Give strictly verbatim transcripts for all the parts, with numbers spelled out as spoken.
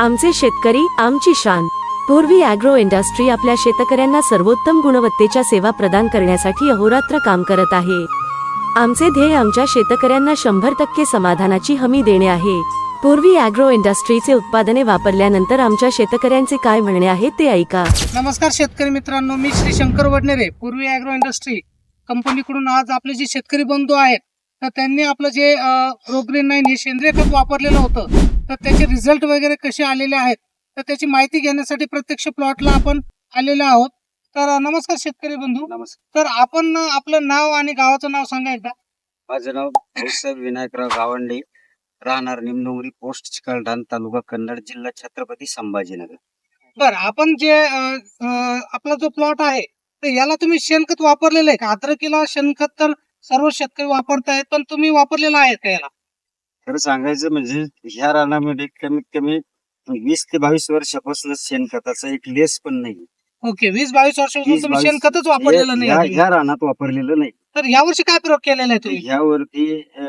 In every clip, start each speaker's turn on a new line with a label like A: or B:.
A: आमचे शेतकरी आमची शान। पूर्वी ॲग्रो इंडस्ट्री आपल्या शेतकऱ्यांना सर्वोत्तम गुणवत्तेच्या सेवा प्रदान करण्यासाठी अहोरात्र काम करत आहे। आमचे ध्येय आमच्या शेतकऱ्यांना शंभर टक्के समाधानाची हमी देणे आहे। पूर्वी ॲग्रो इंडस्ट्रीचे उत्पादने वापरल्यानंतर आमच्या शेतकऱ्यांचे काय म्हणणे आहे ते ऐका।
B: नमस्कार शेतकरी मित्रांनो, मी श्री शंकर वडनेरे, पूर्वी ॲग्रो इंडस्ट्री कंपनीकडून आज आपले जे शेतकरी बंधू आहेत तर त्यांनी आपलं जे प्रोग्रीन नाईन हे सेंद्रिय खत वापरलेलं होतं, तर त्याचे रिझल्ट वगैरे कसे आलेले आहेत तर त्याची माहिती घेण्यासाठी प्रत्यक्ष प्लॉटला आपण आलेलो आहोत। तर नमस्कार शेतकरी बंधू।
C: नमस्कार।
B: तर आपण आपलं नाव आणि गावाचं नाव सांगा एकदा।
C: माझं नाव भाऊसाहेब विनायकराव गावंडे, राहणार निमडोंगरी, पोस्ट चिकलठाण, तालुका कन्नड, जिल्हा छत्रपती संभाजीनगर।
B: बरं, आपण जे अं, अं, आपला जो प्लॉट आहे तर याला तुम्ही शेणखत वापरलेलं आहे का? अद्रकीला शेणखत तर सर्व शेतकरी वापरतायत, पण तुम्ही वापरलेलं आहे का याला?
C: खरं सांगायचं म्हणजे ह्या रानामध्ये कमीत कमी वीस ते बावीस वर्षापासून शेणखताचा एक लेस पण नाही।
B: ओके, वीस बावीस वर्षापासून
C: वीस
B: तुम्ही
C: बावीस
B: शेणखतच वापरलेलं
C: ह्या
B: नाही।
C: ह्या रानात वापरलेलं नाही।
B: तर यावर्षी काय प्रयोग केलेला आहे तुम्ही?
C: ह्यावरती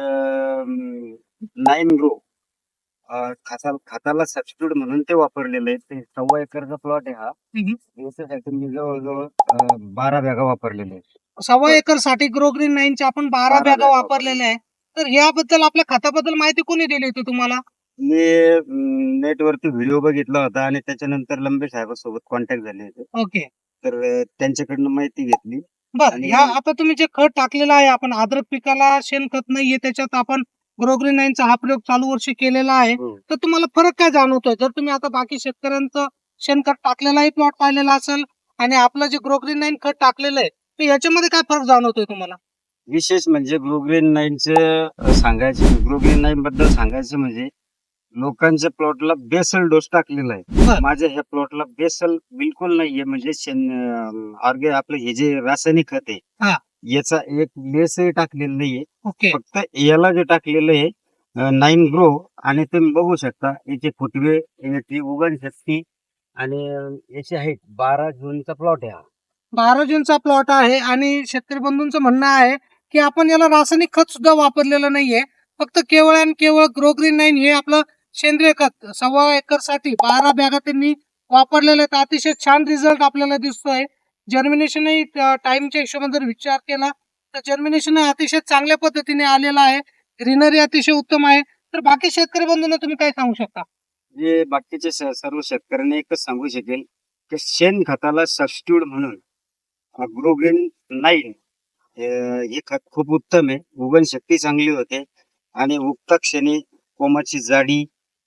C: नाईन ग्रो खता खताला सबस्टिट्यूट म्हणून ते वापरलेलं आहे। ते सव्वा एकरचा प्लॉट आहे हा।
B: हम्म.
C: याच्यासाठी मी जवळजवळ अं, बारा बॅगा वापरलेले आहेत।
B: सव्वा एकर साठी ग्रोग्रीन नाईनचे आपण बारा
C: बारा
B: बॅगा
C: बॅगा
B: वापरलेल्या आहे। तर याबद्दल आपल्या खताबद्दल माहिती कोणी दिली होती तुम्हाला?
C: मी नेटवरती व्हिडिओ बघितला होता आणि त्याच्यानंतर लंबे साहेबांसोबत कॉन्टॅक्ट झाले होते,
B: ओके,
C: तर अं, त्यांच्याकडनं माहिती घेतली।
B: बर,
C: आणि-
B: ह्या आता तुम्ही जे खत टाकलेलं आहे, आपण अद्रक पिकाला शेणखत नाहीये त्याच्यात आपण ग्रोग्रीन नाईनचा हा प्रयोग चालू वर्षी केलेला आहे,
C: हो.
B: तर तुम्हाला फरक काय जाणवतोय? जर तुम्ही आता बाकी शेतकऱ्यांचं शेणखत टाकलेलाही प्लॉट पाहिलेला असेल आणि आपलं जे ग्रोग्रीन नाईन खत टाकलेलं आहे, तर याच्यामध्ये काय फरक जाणवतोय तुम्हाला?
C: विशेष म्हणजे ग्रोग्रीन नाईनचं सांगायचं ग्रोग्रीन नाईन बद्दल सांगायचं म्हणजे लोकांच्या प्लॉटला बेसल डोस टाकलेला आहे।
B: बर.
C: माझ्या ह्या प्लॉटला बेसल बिलकुल नाहीये, म्हणजे शेण ऑर्गे आपलं हे जे रासायनिक खत आहे
B: हा.
C: याचा एक लेसही टाकलेला नाहीये।
B: ओके,
C: फक्त याला जे टाकलेलं आहे नाईन ग्रो, आणि तुम्ही बघू शकता याचे फुटवे, याची उगण शक्ती आणि याची हाईट बारा जूनचा प्लॉट आहे हा।
B: बारा जूनचा प्लॉट आहे आणि शेतकरी बंधूंचं म्हणणं आहे की आपण याला रासायनिक खत सुद्धा वापरलेलं नाहीये, फक्त केवळ आणि केवळ ग्रोग्रीन नाईन हे आपलं सेंद्रिय खत सव्वा एकर साठी बारा बॅगा त्यांनी वापरलेले आहेत। अतिशय छान रिझल्ट आपल्याला दिसतोय। जर्मिनेशनही टाइमच्या हिशोबाने जर विचार केला तर जर्मिनेशन अतिशय चांगल्या पद्धतीने आलेला आहे। ग्रीनरी अतिशय उत्तम आहे। तर बाकी शेतकरी बंधूंना तुम्ही काय सांगू शकता?
C: जे बाकीचे स- सर्व शेतकऱ्यांना एकच सांगू शकेल की शेण खताला सबस्टिट्यूट म्हणून ग्रोग्रीन नाईन हे खत खूप उत्तम आहे। उगण शक्ती चांगली होते आणि उगता क्षणी कोमाची जाडी,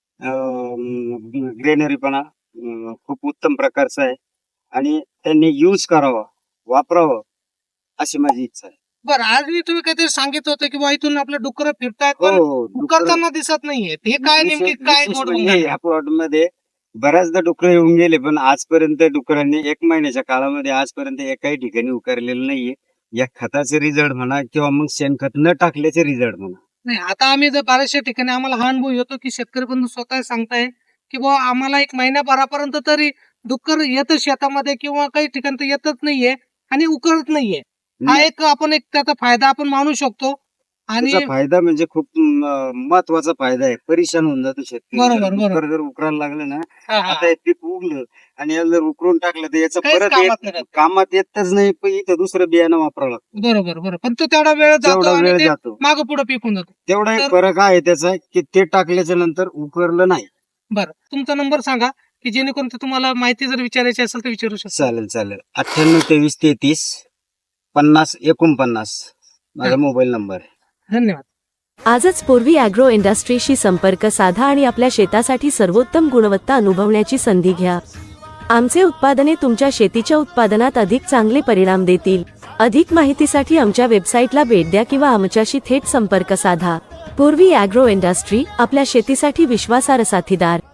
C: ग्रेनरीपणा अं, खूप उत्तम प्रकारचा आहे आणि त्यांनी यूज करावा, वापरावं अशी माझी इच्छा आहे।
B: बरं, आज मी तुम्ही काहीतरी सांगितलं होतं की बा इथून आपले डुकर फिरतायत
C: हो
B: पण
C: हो डुक्कर-
B: करताना दिसत नाहीये, हे काय नेमकी
C: विशेष-
B: काय
C: विशेष
B: गोड
C: म्हणजे
B: बोलणार?
C: ह्या प्लॉट मध्ये बऱ्याचदा डुकरं येऊन गेले, पण आजपर्यंत डुकरांनी एक महिन्याच्या काळामध्ये आजपर्यंत एकाही ठिकाणी उकारलेलं नाहीये। या खताचे रिझल्ट म्हणा किंवा मग शेणखत न टाकल्याचे रिझल्ट म्हणा।
B: नाही, आता आम्ही जर बऱ्याचशा ठिकाणी आम्हाला हा अनुभव येतो की शेतकरी बंधू स्वतः सांगताय की बुवा आम्हाला एक महिन्याभरापर्यंत तरी डुक्कर येतं शेतामध्ये किंवा काही ठिकाणी तर येतच नाहीये आणि उकरत नाहीये। हा एक आपण एक त्याचा फायदा आपण मानू शकतो। आणि
C: त्याचा फायदा म्हणजे खूप म- महत्वाचा फायदा आहे। परेशान होऊन जातो शेतकरी।
B: बरोबर,
C: जर
B: बरोबर.
C: डुक्कर जर उकरायला लागलं ना,
B: हा, हा,
C: आता हे पीक उगलं आणि याला जर उकरून टाकलं तर याचं
B: काहीच
C: परत
B: कामात
C: येत-
B: नाही राहत.
C: कामात येतच नाही, पण इथं दुसरं बियाणं वापरावं लागतं।
B: बरोबर बरोबर, पण तो तेवढा वेळ जातो
C: तेवढा
B: आणि
C: वेळ
B: ते
C: जातो,
B: मागं पुढे पिकून जातो।
C: तेवढा एक
B: तर-
C: फरक आहे त्याचा की ते टाकल्याच्या नंतर उकरलं नाही।
B: बरं, तुमचा नंबर सांगा की जेणेकरून ते तुम्हाला माहिती जर विचारायची असेल तर विचारू शकता।
C: चालेल चालेल अठ्ठ्याण्णव तेवीस तेहतीस पन्नास एकोणपन्नास माझा मोबाईल नंबर आहे।
B: धन्यवाद।
A: आजच पूर्वी ॲग्रो इंडस्ट्रीशी संपर्क साधा आणि आपल्या शेतासाठी सर्वोत्तम गुणवत्ता अनुभवण्याची संधी घ्या। आमचे उत्पादने तुमच्या शेतीच्या उत्पादनात अधिक चांगले परिणाम देतील। अधिक माहितीसाठी आमच्या वेबसाईटला भेट द्या किंवा आमच्याशी थेट संपर्क साधा। पूर्वी ॲग्रो इंडस्ट्री, आपल्या शेतीसाठी विश्वासार्ह साथीदार।